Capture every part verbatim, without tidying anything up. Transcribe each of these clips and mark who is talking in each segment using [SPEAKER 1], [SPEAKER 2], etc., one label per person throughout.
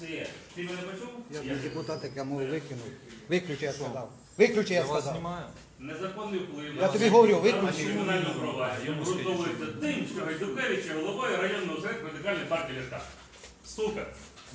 [SPEAKER 1] Все. Ти мене почув?
[SPEAKER 2] Я депутат, я мову викинув. Виключи, я сказав. Виключи, я сказав.
[SPEAKER 1] Незаконний вплив.
[SPEAKER 2] Я тобі говорю, виключи.
[SPEAKER 1] Кримінальне провадження обґрунтовується тим, що Гайдукевич є головою районного осередку Радикальної партії Ляшка. Сука.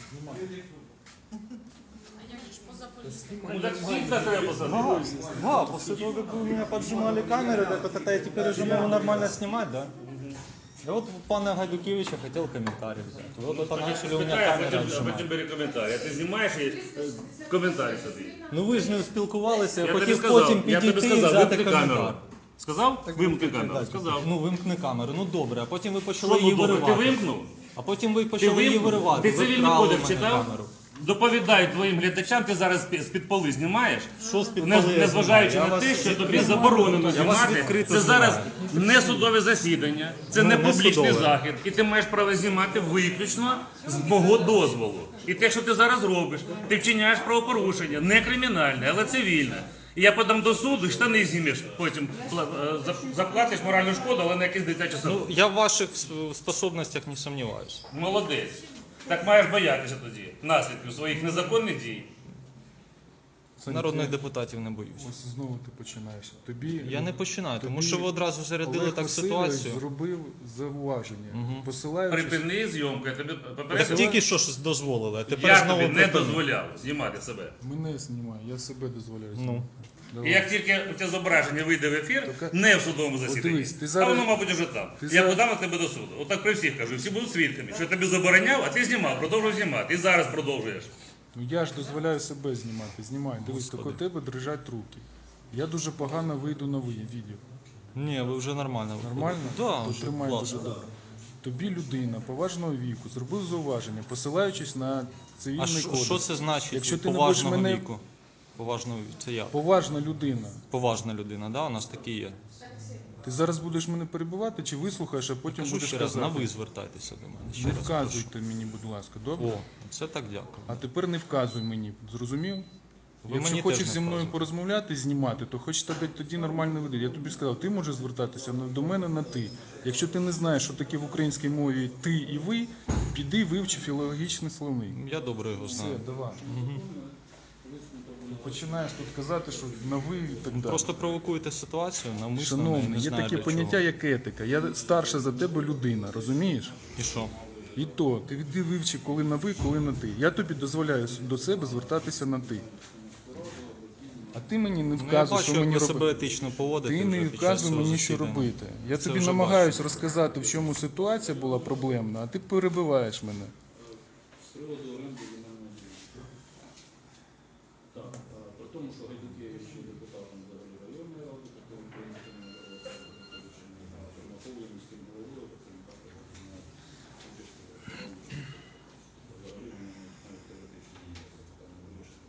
[SPEAKER 1] Ну так всіх так треба посадити.
[SPEAKER 3] Да, после того, как вы у меня поджимали камеры, так вот это я теперь уже могу нормально снимать, да? Я вот пана Гайдукевича хотел комментарий взять. Вот это начали у меня
[SPEAKER 1] Питаю, а
[SPEAKER 3] камеры
[SPEAKER 1] потім, а
[SPEAKER 3] отжимать.
[SPEAKER 1] потім бери коментарі. А ти знімаєш і е, коментарі собі.
[SPEAKER 3] Ну ви ж не спілкувалися, я
[SPEAKER 1] Я тобі
[SPEAKER 3] хотів
[SPEAKER 1] сказав,
[SPEAKER 3] потім
[SPEAKER 1] я тобі
[SPEAKER 3] підійти і
[SPEAKER 1] сказав,
[SPEAKER 3] взяти
[SPEAKER 1] вимкни камеру.
[SPEAKER 3] коментар.
[SPEAKER 1] Сказав? Вимкни камеру. Сказав.
[SPEAKER 3] Ну вимкни камеру, ну добре, а потім ви почали
[SPEAKER 1] Що
[SPEAKER 3] її
[SPEAKER 1] ну добре, ти
[SPEAKER 3] виривати.
[SPEAKER 1] вимкнув?
[SPEAKER 3] А потім ви
[SPEAKER 1] Ти
[SPEAKER 3] почали її
[SPEAKER 1] вимкнув?
[SPEAKER 3] виривати.
[SPEAKER 1] Ти
[SPEAKER 3] Ви
[SPEAKER 1] цивільний
[SPEAKER 3] вкрали
[SPEAKER 1] кодекс
[SPEAKER 3] в мене
[SPEAKER 1] читав?
[SPEAKER 3] камеру.
[SPEAKER 1] Доповідай твоїм глядачам, ти зараз з-під поли знімаєш,
[SPEAKER 3] Що з-під
[SPEAKER 1] не,
[SPEAKER 3] поли я
[SPEAKER 1] незважаючи
[SPEAKER 3] знімаю?
[SPEAKER 1] на
[SPEAKER 3] Я
[SPEAKER 1] те,
[SPEAKER 3] вас
[SPEAKER 1] що тобі
[SPEAKER 3] відкрито
[SPEAKER 1] заборонено
[SPEAKER 3] знімаю. Я вас
[SPEAKER 1] знімати.
[SPEAKER 3] відкрито
[SPEAKER 1] Це зараз
[SPEAKER 3] знімаю.
[SPEAKER 1] не судове засідання, це
[SPEAKER 3] Ну,
[SPEAKER 1] не
[SPEAKER 3] не
[SPEAKER 1] публічний
[SPEAKER 3] судове.
[SPEAKER 1] захід, і ти маєш право знімати виключно з мого дозволу. І те, що ти зараз робиш, ти вчиняєш правопорушення, не кримінальне, але цивільне. І я подам до суду, штани знімеш, потім пла- е, заплатиш моральну шкоду, але на якийсь дитячий садок.
[SPEAKER 3] Ну, я в ваших с- способностях не сомневаюсь.
[SPEAKER 1] Молодець. Так маєш боятися тоді наслідків своїх незаконних дій.
[SPEAKER 3] Народних депутатів не боюсь.
[SPEAKER 4] Ось знову ти починаєш. Тобі
[SPEAKER 3] Я не починаю, тому
[SPEAKER 4] тобі
[SPEAKER 3] що ви одразу зарядили
[SPEAKER 4] Олег
[SPEAKER 3] так
[SPEAKER 4] Васильович
[SPEAKER 3] ситуацію.
[SPEAKER 4] зробив зауваження, посилаючись.
[SPEAKER 1] Припини зйомку, я тобі
[SPEAKER 3] Так
[SPEAKER 1] попередив.
[SPEAKER 3] тільки що ж дозволили, а тепер
[SPEAKER 1] Я
[SPEAKER 3] знову
[SPEAKER 1] тобі не
[SPEAKER 3] припинили.
[SPEAKER 1] дозволяв знімати себе.
[SPEAKER 4] Мене знімає, я себе дозволяю.
[SPEAKER 3] Ну.
[SPEAKER 4] знімати.
[SPEAKER 1] І
[SPEAKER 4] Давай.
[SPEAKER 1] як тільки це зображення вийде в ефір,
[SPEAKER 4] Так,
[SPEAKER 1] не в судовому засіданні,
[SPEAKER 4] дивись, ти
[SPEAKER 1] а
[SPEAKER 4] зараз-
[SPEAKER 1] воно, мабуть, вже там.
[SPEAKER 4] ти
[SPEAKER 1] Я
[SPEAKER 4] зараз-
[SPEAKER 1] подам на тебе до суду. Отак при всіх кажу, всі будуть свідками, що я тобі забороняв, а ти знімав, продовжуй знімати. І зараз продовжуєш.
[SPEAKER 4] Ну я ж дозволяю себе знімати. Знімай. Дивись, так у тебе дрижать руки. Я дуже погано вийду на ви- відео.
[SPEAKER 3] Ні, ви вже нормально. виходите.
[SPEAKER 4] Нормально?
[SPEAKER 3] Да,
[SPEAKER 4] То
[SPEAKER 3] вже
[SPEAKER 4] тримай дуже
[SPEAKER 3] класно.
[SPEAKER 4] добре. Тобі людина поважного віку зробив зауваження, посилаючись на
[SPEAKER 3] А
[SPEAKER 4] цивільний
[SPEAKER 3] що,
[SPEAKER 4] кодекс.
[SPEAKER 3] що це значить
[SPEAKER 4] Якщо ти не
[SPEAKER 3] поважного
[SPEAKER 4] будеш мене-
[SPEAKER 3] віку? Поважного віку, це я.
[SPEAKER 4] Поважна людина.
[SPEAKER 3] Поважна людина, да? У нас такі є.
[SPEAKER 4] Ти зараз будеш мене перебивати чи вислухаєш, а потім
[SPEAKER 3] Кажу
[SPEAKER 4] будеш
[SPEAKER 3] ще раз, на
[SPEAKER 4] казати?
[SPEAKER 3] ви звертайтеся до мене. Ще
[SPEAKER 4] Не
[SPEAKER 3] раз
[SPEAKER 4] вказуйте мені, будь ласка, добре?
[SPEAKER 3] прошу. О, це так дякую.
[SPEAKER 4] А тепер не вказуй мені, зрозумів?
[SPEAKER 3] Ви
[SPEAKER 4] Якщо
[SPEAKER 3] мені
[SPEAKER 4] хочеш
[SPEAKER 3] теж не
[SPEAKER 4] зі мною
[SPEAKER 3] вказуйте.
[SPEAKER 4] порозмовляти, знімати, то хоч тебе тоді нормально веди. Я тобі сказав, ти можеш звертатися на- до мене на ти. Якщо ти не знаєш, що таке в українській мові ти і ви, піди вивчи філологічний словник.
[SPEAKER 3] Я добре його
[SPEAKER 4] Все,
[SPEAKER 3] знаю.
[SPEAKER 4] давай. Ти починаєш тут казати, що на ви і так далі.
[SPEAKER 3] Просто провокуєте ситуацію, навмисно, не
[SPEAKER 4] Шановний, є
[SPEAKER 3] знаю
[SPEAKER 4] таке
[SPEAKER 3] для
[SPEAKER 4] поняття,
[SPEAKER 3] чого.
[SPEAKER 4] як етика. Я старша за тебе людина, розумієш?
[SPEAKER 3] І що?
[SPEAKER 4] І то, ти іди вивчи, коли на ви, коли на ти. Я тобі дозволяю до себе звертатися на ти. А ти мені не
[SPEAKER 3] Ну, я
[SPEAKER 4] вказуй,
[SPEAKER 3] бачу,
[SPEAKER 4] що
[SPEAKER 3] як
[SPEAKER 4] мені
[SPEAKER 3] ви
[SPEAKER 4] робити.
[SPEAKER 3] себе етично поводите
[SPEAKER 4] Ти
[SPEAKER 3] вже
[SPEAKER 4] не
[SPEAKER 3] під час
[SPEAKER 4] вказуй
[SPEAKER 3] цього
[SPEAKER 4] мені, що
[SPEAKER 3] засідання.
[SPEAKER 4] робити. Я
[SPEAKER 3] Це
[SPEAKER 4] тобі
[SPEAKER 3] вже
[SPEAKER 4] намагаюсь розказати, в чому ситуація була проблемна, а ти перебиваєш мене.
[SPEAKER 5] Так, а, при тому, що Гайдукевич є депутатом взагалі районної ради, такої української Тернополі міським головою, таким також взагалі вони навіть теоретично не є питання вирішення.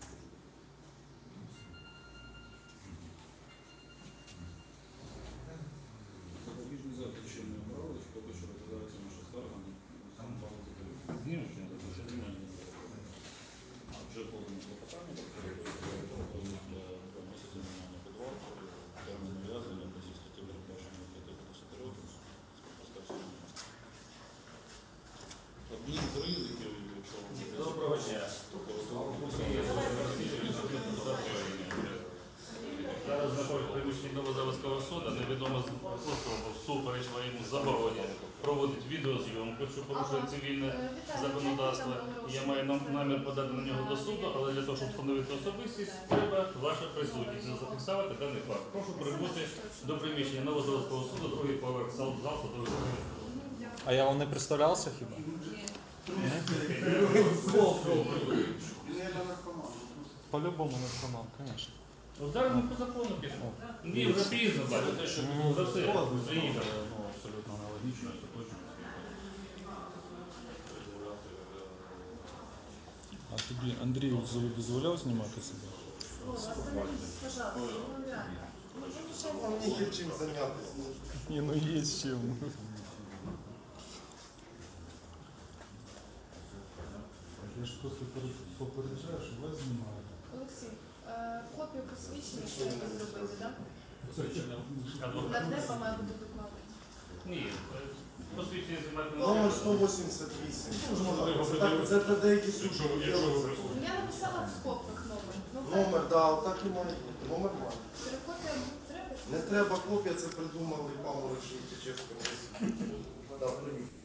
[SPEAKER 5] Запобіжний захід ще не обрали, поки що розглядається наша скарга на сам пан Закарюк.
[SPEAKER 1] Знімеш чи не запишеш?
[SPEAKER 5] А вже подано клопотання, два місяці міняння підвал, термін ув'язнення по цій статті передбачено п'яти до десяти років з поставцем. Адмінтри, які, якщо вам
[SPEAKER 1] Доброго дня. Зараз знаходиться приміщення Новозаводського суду, невідомо особа всупереч своєму забороні проводить відеозйомку, що порушує цивільне законодавство. Я маю нам- намір подати на нього до суду, але для того, щоб встановити особистість, треба ваша присутність. Зафіксувати даний факт. Прошу прибути до приміщення Новозаводського суду, другий поверх зал зал судових засідань.
[SPEAKER 3] А я вам не представлявся хіба? По-любому наркоман, звісно.
[SPEAKER 1] От зараз ми по закону підемо. Ні, вже пізно, бачите, що за все, приїхали.
[SPEAKER 5] ну, абсолютно аналогічно, остаточно.
[SPEAKER 4] А тобі Андрій дозволяв знімати себе?
[SPEAKER 6] Є чим зайнятися.
[SPEAKER 4] Ні, ну є з чим. Я ж просто попереджаю, що вас знімають.
[SPEAKER 7] Олексій, е, копію посвідчення треба зробити, так?
[SPEAKER 1] Адвокат.
[SPEAKER 7] Нардепа має бути докладена.
[SPEAKER 1] Ні, Посвідчення знімати не
[SPEAKER 6] Номер
[SPEAKER 1] треба.
[SPEAKER 6] сто вісімдесят вісім.
[SPEAKER 1] Можна його
[SPEAKER 6] Це так-
[SPEAKER 1] придивитися.
[SPEAKER 6] Це це деякі
[SPEAKER 1] Якщо
[SPEAKER 6] суди
[SPEAKER 1] ви- якщо ви
[SPEAKER 6] роблять.
[SPEAKER 1] присутні.
[SPEAKER 7] Я написала в скобках номер. Ну,
[SPEAKER 6] Номер, да, отак і має бути. Номер має.
[SPEAKER 7] Ксерокопія треба?
[SPEAKER 6] Не треба копія, це придумали Павло Чечевський. Да, привіт.